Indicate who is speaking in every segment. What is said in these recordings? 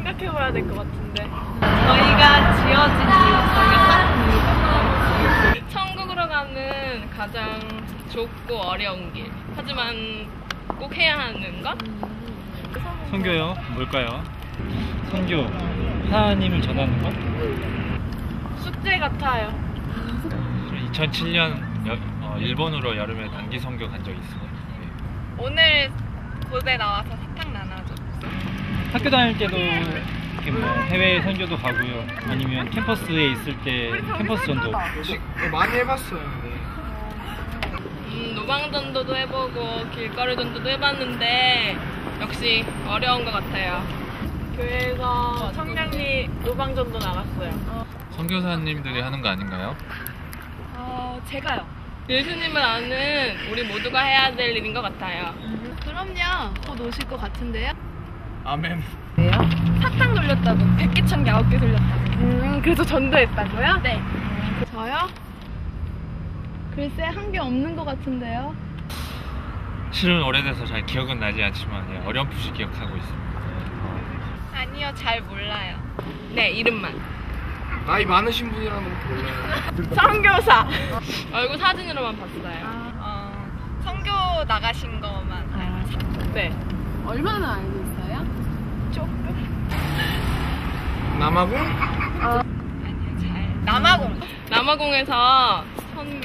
Speaker 1: 생각해봐야 될 것 같은데.
Speaker 2: 저희가 지어진 이유가
Speaker 1: 천국으로 가는 가장 좁고 어려운 길. 하지만 꼭 해야 하는 것?
Speaker 3: 선교요? 뭘까요? 선교, 하나님을 전하는 것?
Speaker 1: 숙제 같아요.
Speaker 3: 2007년 일본으로 여름에 단기 선교 간 적이 있어요.
Speaker 1: 오늘 고대 나와서 사탕 나눠줬어.
Speaker 3: 학교 다닐 때도 이렇게 뭐 해외 선교도 가고요. 아니면 캠퍼스에 있을 때 캠퍼스 전도.
Speaker 4: 많이 해봤어요.
Speaker 1: 노방전도도 해보고 길거리 전도도 해봤는데 역시 어려운 것 같아요. 교회에서 청량리 노방전도 나갔어요.
Speaker 5: 선교사님들이 하는 거 아닌가요?
Speaker 2: 제가요.
Speaker 1: 예수님을 아는 우리 모두가 해야 될 일인 것 같아요.
Speaker 2: 그럼요. 곧 오실 것 같은데요?
Speaker 4: 아멘.
Speaker 2: 사탕 돌렸다고. 100개, 1000개, 9개 돌렸다고.
Speaker 1: 그래서 전도했다고요?
Speaker 2: 네. 저요? 글쎄 한 게 없는 것 같은데요?
Speaker 3: 실은 오래돼서 잘 기억은 나지 않지만 어렴풋이 기억하고 있습니다.
Speaker 1: 아니요, 잘 몰라요. 네, 이름만.
Speaker 4: 나이 많으신 분이라는 것도 몰라요.
Speaker 1: 선교사. 얼굴 사진으로만 봤어요. 선교 나가신 것만 알죠. 네.
Speaker 2: 얼마나 알고 있어요?
Speaker 1: 조금.
Speaker 4: 남아공?
Speaker 1: 아니요, 잘. 남아공에서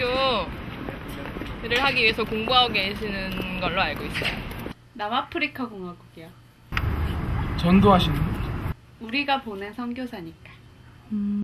Speaker 1: 선교를 하기 위해서 공부하고 계시는 걸로 알고 있어요.
Speaker 2: 남아프리카 공화국이요.
Speaker 4: 전도하시는 분?
Speaker 2: 우리가 보낸 선교사니까.